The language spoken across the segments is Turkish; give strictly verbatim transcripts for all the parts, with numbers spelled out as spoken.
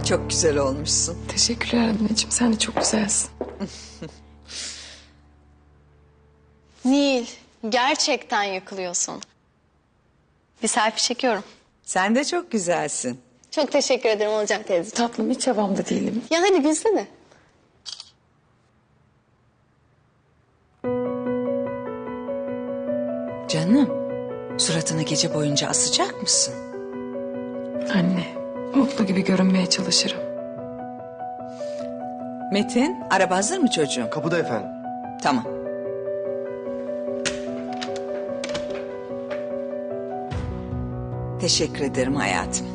Çok güzel olmuşsun. Teşekkürler anneciğim. Sen de çok güzelsin. Nil, gerçekten yıkılıyorsun. Bir selfie çekiyorum. Sen de çok güzelsin. Çok teşekkür ederim Olcay teyze. Tatlım hiç havamda değilim. Ya hadi gülsene. Canım, suratını gece boyunca asacak mısın? Anne, mutlu gibi görünmeye çalışırım. Metin, araba hazır mı çocuğum? Kapıda efendim. Tamam. Teşekkür ederim hayatım.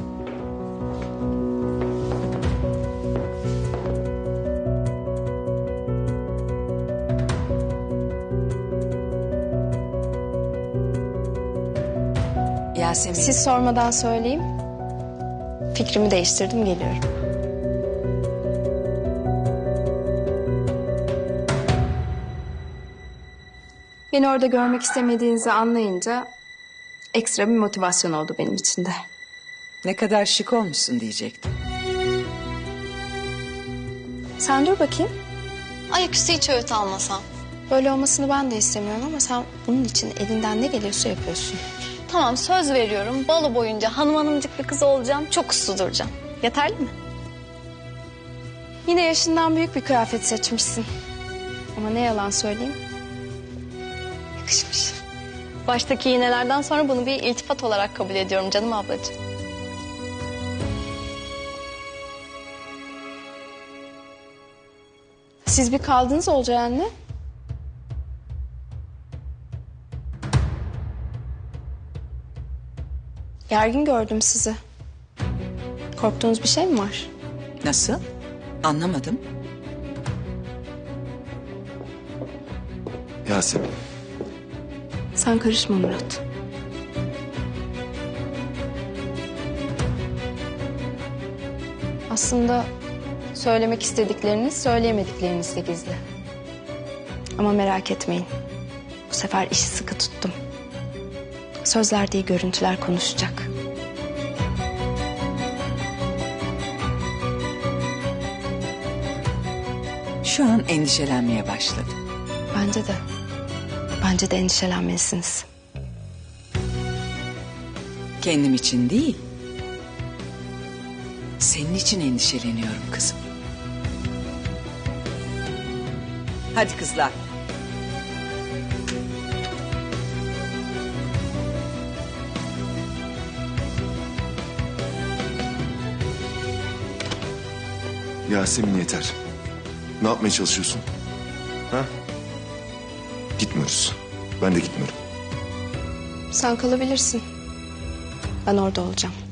Yasemin. Siz sormadan söyleyeyim. Fikrimi değiştirdim, geliyorum. Beni orada görmek istemediğinizi anlayınca ekstra bir motivasyon oldu benim için de. Ne kadar şık olmuşsun diyecektim. Sen dur bakayım. Ayaküstü hiç öğüt almasam. Böyle olmasını ben de istemiyorum ama sen bunun için elinden ne geliyorsa yapıyorsun. Tamam, söz veriyorum. Balo boyunca hanım hanımcık bir kız olacağım. Çok uslu duracağım. Yeterli mi? Yine yaşından büyük bir kıyafet seçmişsin. Ama ne yalan söyleyeyim. Yakışmış. Baştaki iğnelerden sonra bunu bir iltifat olarak kabul ediyorum canım ablacığım. Siz bir kaldınız Olcay anne. Gergin gördüm sizi. Korktuğunuz bir şey mi var? Nasıl? Anlamadım. Yasemin. Sen karışma Murat. Aslında söylemek istedikleriniz söyleyemedikleriniz de gizli. Ama merak etmeyin. Bu sefer işi sıkı tuttum. Sözler değil, görüntüler konuşacak. Şu an endişelenmeye başladım. Bence de. Bence de endişelenmelisiniz. Kendim için değil. Senin için endişeleniyorum kızım. Hadi kızlar. Yasemin yeter. Ne yapmaya çalışıyorsun? Ha? Gitmiyoruz. Ben de gitmiyorum. Sen kalabilirsin. Ben orada olacağım.